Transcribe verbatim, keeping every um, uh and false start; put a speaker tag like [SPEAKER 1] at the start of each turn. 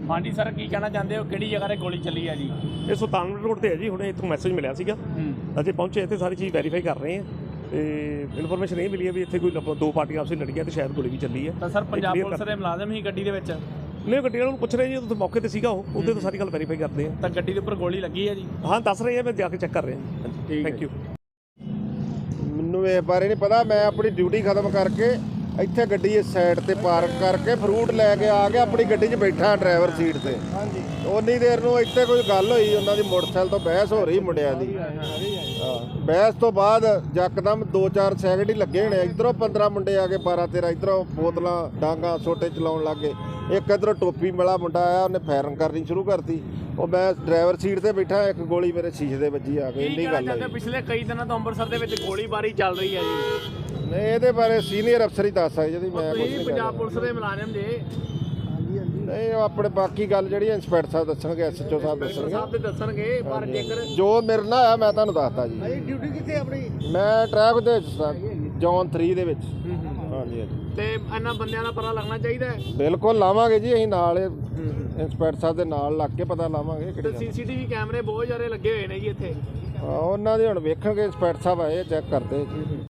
[SPEAKER 1] ਹਾਂਜੀ ਸਰ, ਕੀ ਕਹਿਣਾ ਚਾਹੁੰਦੇ ਹੋ, ਕਿਹੜੀ ਜਗ੍ਹਾ 'ਤੇ ਗੋਲੀ ਚੱਲੀ ਹੈ ਜੀ?
[SPEAKER 2] ਇਹ ਸੁਲਤਾਨਪੁਰ ਰੋਡ ਤੇ ਹੈ ਜੀ। ਹੁਣੇ ਇੱਥੋਂ ਮੈਸੇਜ ਮਿਲਿਆ ਸੀਗਾ, ਅਸੀਂ ਪਹੁੰਚੇ ਇੱਥੇ, ਸਾਰੀ ਚੀਜ਼ ਵੈਰੀਫਾਈ ਕਰ ਰਹੇ ਹਾਂ ਤੇ ਇਨਫੋਰਮੇਸ਼ਨ ਇਹ ਮਿਲੀ ਹੈ ਵੀ ਇੱਥੇ ਕੋਈ ਦੋ ਪਾਰਟੀਆਂ ਆਪਸ ਵਿੱਚ ਲੜੀਆਂ ਤੇ ਸ਼ਾਇਦ ਗੋਲੀ ਵੀ ਚੱਲੀ ਹੈ।
[SPEAKER 1] ਤਾਂ ਸਰ ਪੰਜਾਬ ਪੁਲਿਸ ਦੇ ਮੁਲਾਜ਼ਮ ਹੀ ਗੱਡੀ ਦੇ ਵਿੱਚ?
[SPEAKER 2] ਨਹੀਂ, ਗੱਡੀ ਵਾਲੇ ਨੂੰ ਪੁੱਛ ਰਹੇ ਜੀ, ਉੱਥੇ ਮੌਕੇ ਤੇ ਸੀਗਾ ਉਹ, ਉਹਦੇ ਤੋਂ ਸਾਰੀ ਗੱਲ ਵੈਰੀਫਾਈ ਕਰਦੇ ਹਾਂ।
[SPEAKER 1] ਤਾਂ ਗੱਡੀ ਦੇ ਉੱਪਰ ਗੋਲੀ ਲੱਗੀ ਹੈ ਜੀ?
[SPEAKER 2] ਹਾਂ, ਦੱਸ ਰਹੇ ਆ, ਮੈਂ ਜਾ ਕੇ ਚੈੱਕ ਕਰ ਰਿਹਾ। Thank you.
[SPEAKER 3] ਮੈਨੂੰ ਇਸ ਬਾਰੇ ਨਹੀਂ ਪਤਾ, ਮੈਂ ਆਪਣੀ ਡਿਊਟੀ ਖਤਮ ਕਰਕੇ ਇੱਥੇ ਗੱਡੀ ਇਸ ਸਾਈਡ ਤੇ ਪਾਰਕ ਕਰਕੇ ਫਰੂਟ ਲੈ ਕੇ ਆ ਗਿਆ, ਆਪਣੀ ਗੱਡੀ 'ਚ ਬੈਠਾ ਡਰਾਈਵਰ ਸੀਟ ਤੇ। ਹਾਂਜੀ, ਉਨੀ ਦੇਰ ਨੂੰ ਇੱਥੇ ਕੋਈ ਗੱਲ ਹੋਈ, ਉਹਨਾਂ ਦੀ ਮੋਟਰਸਾਈਕਲ ਤੋਂ ਬਹਿਸ ਹੋ ਰਹੀ ਮੁੰਡਿਆਂ ਦੀ। ਬਹਿਸ ਤੋਂ ਬਾਅਦ ਯਕਦਮ ਦੋ ਚਾਰ ਸੈਕਿੰਡ ਹੀ ਲੱਗੇ ਹੋਣੇ, ਇੱਧਰੋਂ ਪੰਦਰਾਂ ਮੁੰਡੇ ਆ ਕੇ ਬਾਰਾਂ ਤੇਰਾਂ, ਇੱਧਰੋਂ ਬੋਤਲਾਂ ਡਾਂਗਾ ਛੋਟੇ ਚਲਾਉਣ ਲੱਗ ਗਏ। ਇੱਕ ਇੱਧਰੋਂ ਟੋਪੀ ਵਾਲਾ ਮੁੰਡਾ ਆਇਆ, ਉਹਨੇ ਫਾਇਰਿੰਗ ਕਰਨੀ ਸ਼ੁਰੂ ਕਰਤੀ। ਉਹ ਮੈਂ ਡਰਾਈਵਰ ਸੀਟ ਤੇ ਬੈਠਾ, ਇੱਕ ਗੋਲੀ ਮੇਰੇ ਸ਼ੀਸ਼ੇ ਦੇ ਵੱਜੀ ਆ ਕੇ। ਇੰਨੀ ਗੱਲ ਹੈ।
[SPEAKER 1] ਪਿਛਲੇ ਕਈ ਦਿਨਾਂ ਤੋਂ ਅੰਮ੍ਰਿਤਸਰ ਦੇ ਵਿੱਚ ਗੋਲੀਬਾਰੀ ਚੱਲ ਰਹੀ ਹੈ ਜੀ।
[SPEAKER 3] ਨਹੀਂ, ਇਹਦੇ ਬਾਰੇ ਸੀਨੀਅਰ ਅਫਸਰ ਹੀ ਦੱਸ ਸਕਦੇ ਜੀ, ਮੈਂ ਕੁਝ ਨਹੀਂ।
[SPEAKER 1] ਪੰਜਾਬ ਪੁਲਿਸ ਦੇ ਮੁਲਾਜ਼ਮ ਜੇ?
[SPEAKER 3] ਨਹੀਂ, ਉਹ ਆਪਣੇ ਬਾਕੀ ਗੱਲ ਜਿਹੜੀ ਇੰਸਪੈਕਟਰ ਸਾਹਿਬ ਦੱਸਣਗੇ, ਐਸਐਚਓ ਸਾਹਿਬ ਦੱਸਣਗੇ।
[SPEAKER 1] ਸਾਹਿਬ ਤੇ ਦੱਸਣਗੇ, ਪਰ ਜੇਕਰ
[SPEAKER 3] ਜੋ ਮੇਰੇ ਨਾਲ ਆ ਮੈਂ ਤੁਹਾਨੂੰ ਦੱਸਦਾ ਜੀ।
[SPEAKER 1] ਡਿਊਟੀ ਕਿੱਥੇ ਆਪਣੀ?
[SPEAKER 3] ਮੈਂ ਟ੍ਰੈਫਿਕ ਦੇ ਜ਼ੋਨ ਥ੍ਰੀ ਦੇ ਵਿੱਚ। ਹਾਂਜੀ ਹਾਂਜੀ।
[SPEAKER 1] ਤੇ ਇਹਨਾਂ ਬੰਦਿਆਂ ਦਾ ਪਤਾ ਲੱਗਣਾ ਚਾਹੀਦਾ ਹੈ?
[SPEAKER 3] ਬਿਲਕੁਲ ਲਾਵਾਂਗੇ ਜੀ, ਅਸੀਂ ਨਾਲ ਇੰਸਪੈਕਟਰ ਸਾਹਿਬ ਦੇ ਨਾਲ ਲੱਗ ਕੇ ਪਤਾ ਲਾਵਾਂਗੇ।
[SPEAKER 1] ਤੇ ਸੀਸੀਟੀਵੀ ਕੈਮਰੇ ਬਹੁਤ ਜ਼ਿਆਦਾ ਲੱਗੇ ਹੋਏ ਨੇ ਜੀ ਇੱਥੇ।
[SPEAKER 3] ਉਹਨਾਂ ਦੇ ਹੁਣ ਵੇਖਣਗੇ, ਇੰਸਪੈਕਟਰ ਸਾਹਿਬ ਆਏ ਚੈੱਕ ਕਰਦੇ।